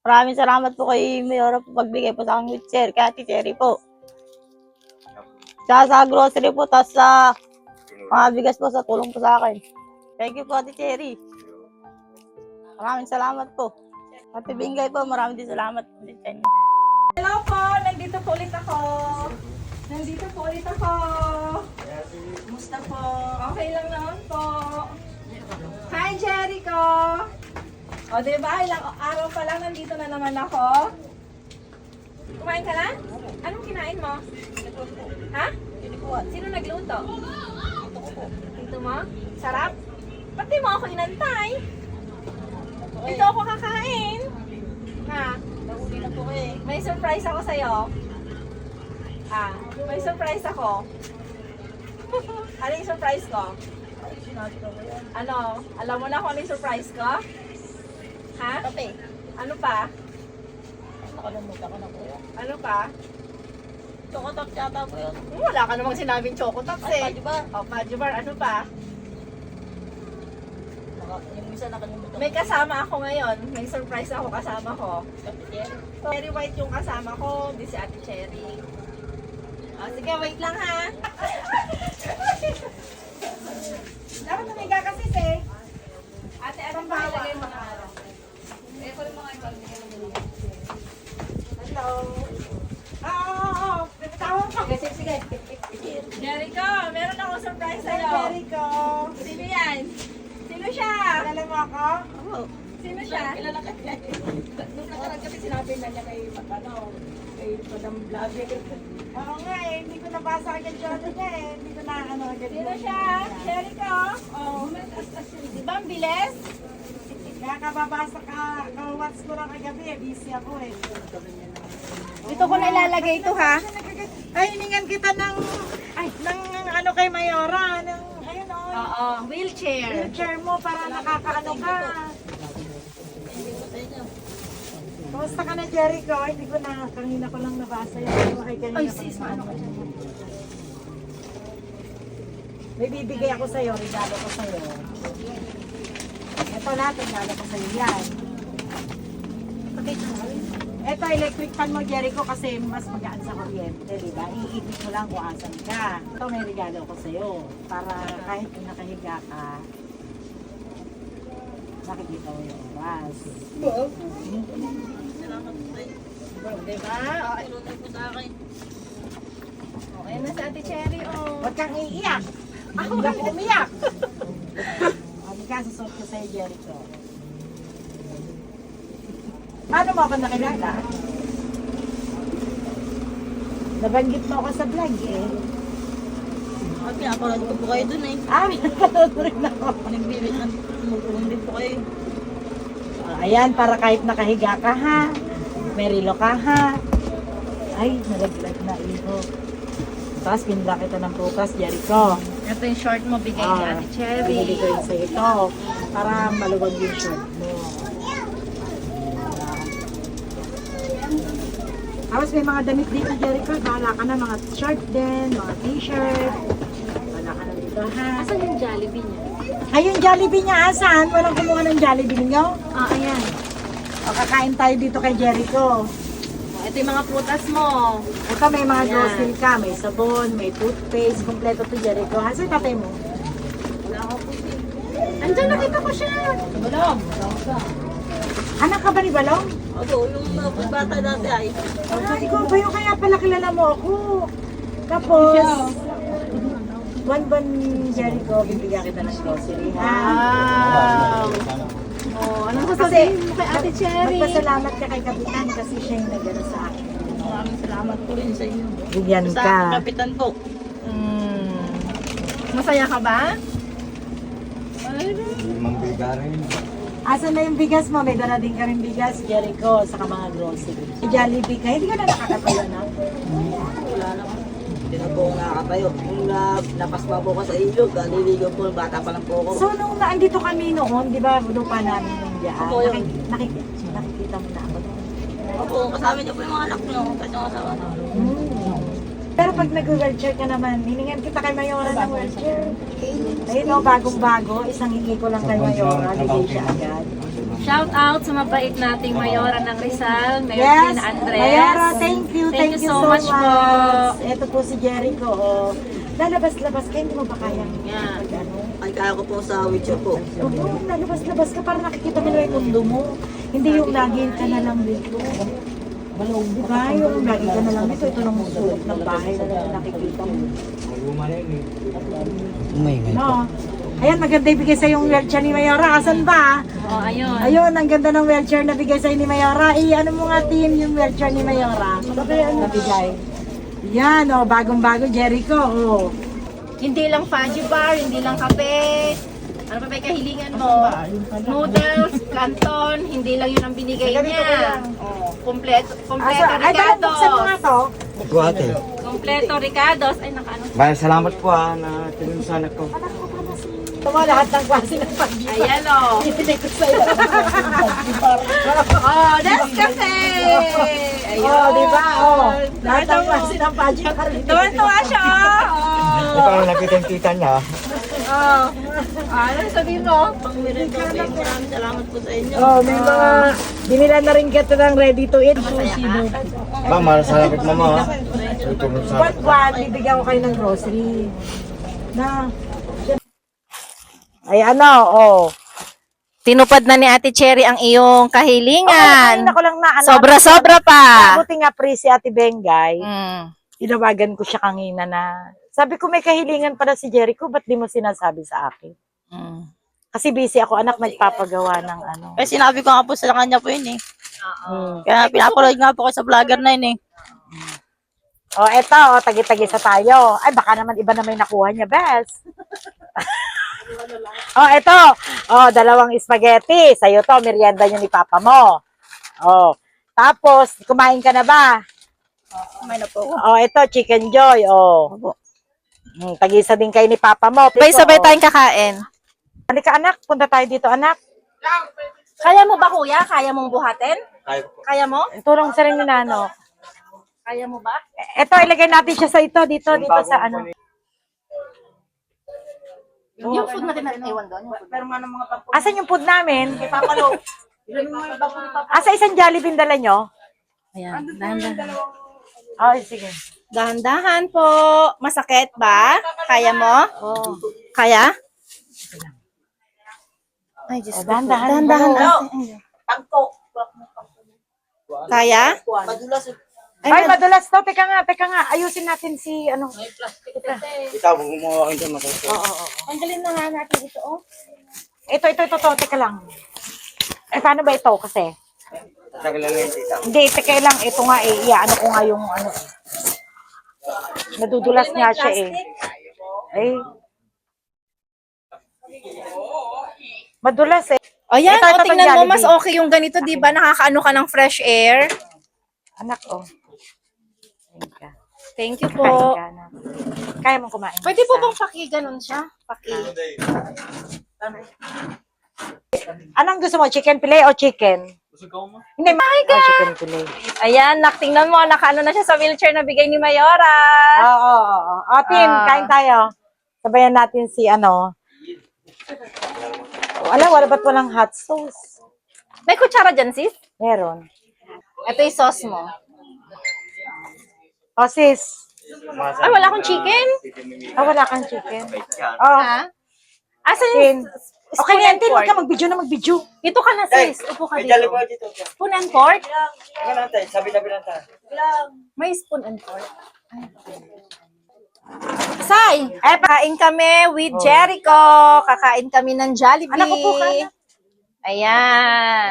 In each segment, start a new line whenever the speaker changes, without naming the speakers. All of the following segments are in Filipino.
Maraming salamat po kay Mayora po pagbigay po sa aking wheelchair, kay Ate Cherry po. Sa grocery po, tapos sa mga bigas po sa tulong po sa akin. Thank you po, Ate Cherry. Maraming salamat po. Ate Bingay po, maraming din salamat po din sa inyo.
Hello po, nandito po ulit ako. Kumusta po? Okay lang naman po. Hi, Jericho! O, diba? Ilang araw pa lang nandito na naman ako. Kumain ka na? Anong kinain mo? Ha? Sino nagluto? Dito mo? Sarap? Ba't di mo ako inantay? Dito ako kakain. Ha? May surprise ako sa'yo. May surprise ako. Ano yung surprise ko? Ano? Alam mo na kung ano yung surprise ko? Ha?
Kape.
Ano pa?
Nakalimutan ko na po yun.
Ano pa?
Chocotops yata po yun.
Wala ka namang sinabing chocotops eh.
Pajubar.
O, pajubar. Ano pa?
Yung isa nakalimutan.
May kasama ako ngayon. May surprise ako kasama ko.
Ate Cherry.
Cherry White yung kasama ko. Di si Ate Cherry. O, sige, wait lang ha. Dapat tumiga kasi eh. Ate, anong bawa? Hello. Oo. Tawag ka. Sige. Jericho, meron akong surprise sa'yo. Jericho. Sino yan? Sino siya? Kilala mo ako?
Oo.
Sino siya?
Kilala ka niya.
Nung nakaraan kasi sinabi na niya kay Madam Vlogger. Oo nga eh, hindi ko nabasa agad yung ano niya eh. Hindi ko na ano agad. Sino siya? Jericho? Oo. Di ba ang bilis? Kaya kababasa ka, ka-watch ko lang kagabi eh. Busy ako eh. Dito ko na ilalagay ito ha. Ay, hiningan kita ng ano kay Mayora. Ayun o. Oo, wheelchair. Wheelchair mo para nakakaano ka. Kumusta ka na, Jericho? Hindi ko na, kanina ko lang nabasa yan. Ay, sis, maano ka dyan? May bibigay ako sa'yo, regalo ko sa'yo. Ito natin, regalo ko sa'yo yan. Ito, electric fan mo, Jericho, kasi mas magaan sa kuryente, di ba? Iikot mo lang kung asan ka. Ito, may regalo ko sa'yo. Para kahit nakahiga ka, nakikita mo yung oras.
Salamat po kayo.
Diba?
Ilunay po sa akin.
Okay na sa Ate Cherry, oh.
Huwag kang iiyak. Hindi ako umiyak. Ano ka, susot ko sa'yo, Jericho. Paano mo ako nakilala? Nabanggit mo ako sa vlog eh.
At pinapanood ko po kayo dun eh.
Pinapanood mo rin ako.
Nagbibit na tumutulong din po kayo.
Ayan, para kahit nakahiga ka ha. May relo ka ha. Ay, nalaglag na iho. Tapos pinla kita ng bukas, Jericho.
Ito yung short mo, bigay ni Ate Cherry.
Bibili ko rin sa ito. Para maluwag yung short mo. Tapos may mga damit dito, Jericho. Bahala ka na, mga short din, mga t-shirt. Bahala ka na dito, ha?
Asan yung Jollibee niya?
Ay, yung Jollibee niya, asan? Walang kumuha ng Jollibee ninyo?
Ayan.
O, kakain tayo dito kay Jericho.
Ito yung mga prutas mo.
Ito, may mga
Ayan.
grocery ka. May sabon, may toothpaste. Kompleto to, Jericho. Asan yung tatay mo?
Wala ako po siya.
Andyan, nakita ko siya.
Balong.
Anak ka ba ni Balong?
Opo, yung mga bata dati ay.
Ay, ikaw ba yung kaya pala kilala mo ako? Tapos, buwan-buwan Jericho, bibigyan kita ng grocery, ha?
Wow. Oh, anong sasabihin mo kay Ate Cherry?
Magpasalamat ka kay Kapitan kasi siya yung nagano sa akin.
Maraming salamat po rin sa inyo.
Bigyan
Sa
ka.
kapitan po.
Masaya ka ba?
Asan na yung bigas mo? May dala din kami bigas, Jericho, sa mga grocery. Si Jollibee ka, hindi ka na nakakatayo na?
Wala naman. Hindi na po ako nakakatayo. Nung napasma po ko sa ilog, naliligaw po, bata pa lang po ako.
So, nung naandito kami noon, di ba, lupa namin yung diyan,
Opo, yun.
nakikita mo na ako.
Opo, kasama niyo po yung mga anak niyo. Kasi yung asawa na.
Pero pag nag-wheelchair ka naman, hiningan kita kay Mayora ng wheelchair. Ayun o, bagong-bago, isang hingi ko lang kay Mayora, bigay siya agad.
Shout out sa mabait nating Mayora ng Rizal, Mayor
Yes,
Tina Andres.
Mayora, thank you
so much po.
Ito po si Jericho. Oh. Lalabas-labas ka, hindi mo ba kaya?
Yan.
Ano?
Ay, kaya ko po sa wheelchair po.
Oo, lalabas-labas ka para nakikita mo na yung mundo mo. Hindi yung lagi ka na lang dito. Di ba? Yung lagi ka na lang dito. Ito lang sulok ng bahay na nakikita mo. No. Ayan, maganda ibigay sa yung wheelchair ni Mayora. Asan ba?
Oh, ayun.
Ayun, ang ganda ng wheelchair na bigay sa'yo ni Mayora. Ano mo nga team yung wheelchair ni Mayora? Nabigay. Yan, oh, bagong-bago, Jericho. Oh.
Hindi lang fudgy bar, hindi lang kape. Ano pa ba yung kahilingan mo? Noodles, canton, hindi lang yun ang binigay niya. Oh, kompleto
Ay, parang buksan mo nga
Ricardos.
to.
Ate.
Kompleto Ricardos. Ay, nakaano.
Maraming salamat po na tinulong sa anak ko.
Ito mo lahat ng klase ng pag-ibig.
Ayan o.
Ibigay ko sa'yo.
Oh, that's cafe! Ayun.
Oh, di ba? Oh, lahat ng klase ng pag-ibig.
Tuwan-tuwa siya.
Ito ang nakita yung tita niya.
Oh. Ano sabihin mo?
Pang meron maraming salamat po sa inyo.
Oh, may mga binila na rin kita ng ready to eat.
Ba, maraming salamat mama. Tutulong sa anak ko.
Buwan, bibigyan ko kayo ng grocery. Na. Ay, ano, oh.
Tinupad na ni Ate Cherry ang iyong kahilingan.
Kanina ko lang na, ano,
Sobra-sobra pa.
Buti nga pre si Ate Bengay.
Mm.
Tinawagan ko siya kanina na, sabi ko may kahilingan para si Jericho, ba't di mo sinasabi sa akin?
Mm.
Kasi busy ako, anak, nagpapagawa ng ano.
Eh, sinabi ko nga po sa kanya po yun eh.
Hmm.
Kaya pinapaload nga po ko sa vlogger na yun eh.
Oh, eto, oh, tagi-tagisa tayo. Ay, baka naman iba na may nakuha niya, best. Oh, eto. Oh, 2 spaghetti. Sa'yo to, merienda niyo ni Papa mo. Oh. Tapos, kumain ka na ba?
Kumain na po ako.
Oh, eto, Chicken Joy. Oh.
Opo.
Tagisa din kayo ni Papa mo.
Sabay-sabay
Oh.
tayong kakain.
Halika, anak. Punta tayo dito, anak.
Kaya mo ba, kuya? Kaya mong buhatin?
Kaya po.
Kaya mo?
Tulong sa rin ni Nano.
Kaya mo ba?
Eto, ilagay natin siya sa ito. Dito sa ano.
Yung food natin iwan doon.
Pero nga ng mga pagpo.
Asan yung food namin?
Kay Papa Lo. Ilan mo yung bago ni Papa?
Asa isang Jollibee dala nyo?
Ayan, dahan-dahan.
Oh, sige.
Dahan-dahan po. Masakit ba? Kaya mo?
Oh.
Kaya? Ay, Diyos ko.
Dahan-dahan.
Dahan-dahan.
Dahan-dahan.
Tangko.
Kaya?
Madulas.
Ay, madulas to. Teka nga. Ayusin natin si, ano.
Ikaw, gumawa kayo dyan matuto.
Tanggalin na nga natin ito, oh.
Ito. Teka lang. Eh, paano ba ito? Kasi,
Tagal lang yung tita.
hindi, teka lang. Ito nga eh. Iyaano ko nga yung, ano. Nadudulas nga siya eh. Eh. Madulas eh.
O yan,
Ito,
o,
itong
tingnan mo,
Jollibee.
mas okay yung ganito, di ba? Nakakaano ka ng fresh air.
Anak, oh. Ayun ka.
Thank you
Kain
po.
ka na. Kaya mong kumain.
Pwede po
isa.
bang paki-ganon siya? Paki.
Anong gusto mo? Chicken fillet o chicken? Hindi, chicken fillet.
Ayan, tingnan mo, nakaano na siya sa wheelchair na bigay ni Mayora.
Oo. O, team, kain tayo. Sabayan natin si ano. Wala ba't walang hot sauce?
May kutsara dyan, sis?
Meron.
Ito yung sauce mo.
O, sis.
Ay, wala akong chicken.
Wala kang chicken. Oh,
Ha? Asan
tin.
yung
Okay
spoon
na,
and
tin. Huwag
fork?
ka mag-video na mag-video.
Dito ka na, sis. Upo ka
May dali
dito.
po dito.
Spoon and fork?
Ano lang tayo, sabi-sabi lang tayo.
May spoon and fork. Say, kain kami with Jericho. Kakain kami ng Jollibee.
Anak, upo ka na.
Ayan.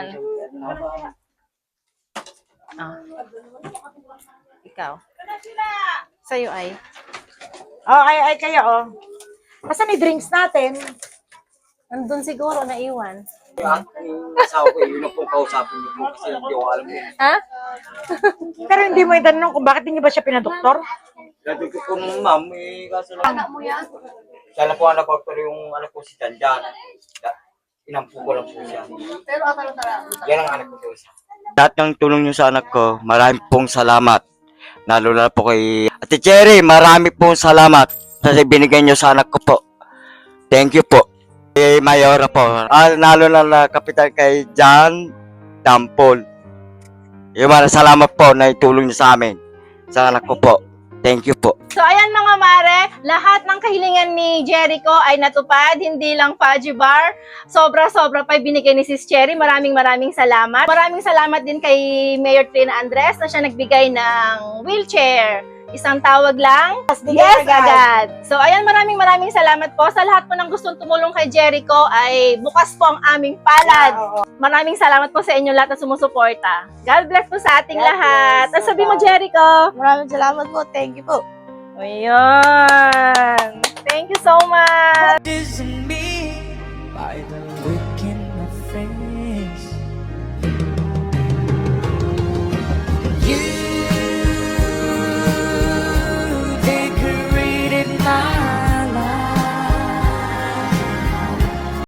Ah. Ikaw. Sa'yo ay.
Oh, ay kayo, oh. Asan yung drinks natin?
Nandun siguro, naiwan.
Yung asawa ko, yun ang pong kausapin niyo po kasi hindi ko alam yun.
Ha?
Pero hindi mo itanong kung bakit hindi ba siya pinadoktor?
Dati ko po nung ma'am, kaso lang. Anak mo yan? Siya lang po ang nagpapalo yung anak ko si Janjan. Inampu ko lang po siya. Yan ang anak ko po siya. Lahat ng tulong niyo sa anak ko, marami pong salamat. Lalo na po kay Ate Cherry, marami pong salamat sa binigay niyo sa anak ko po. Thank you po. Kay Mayora po. Nalo na kapitan kay John Dampol. Yung salamat po na itulong niyo sa amin. Sa anak ko po. Thank you po.
So ayan mga mare, lahat ng kahilingan ni Jericho ay natupad, hindi lang Fudgy Bar. Sobra-sobra pa binigay ni Sis Cherry. Maraming salamat. Maraming salamat din kay Mayor Trina Andres na siya nagbigay ng wheelchair. Isang tawag lang, yes agad. So ayan, maraming salamat po. Sa lahat po ng gustong tumulong kay Jericho ay bukas po ang aming palad. Maraming salamat po sa inyo lahat na sumusuporta. God bless po sa ating lahat. At sabi mo, Jericho.
Maraming salamat po. Thank you po.
Ayan. Thank you so much.
Isn't me by the look in my face.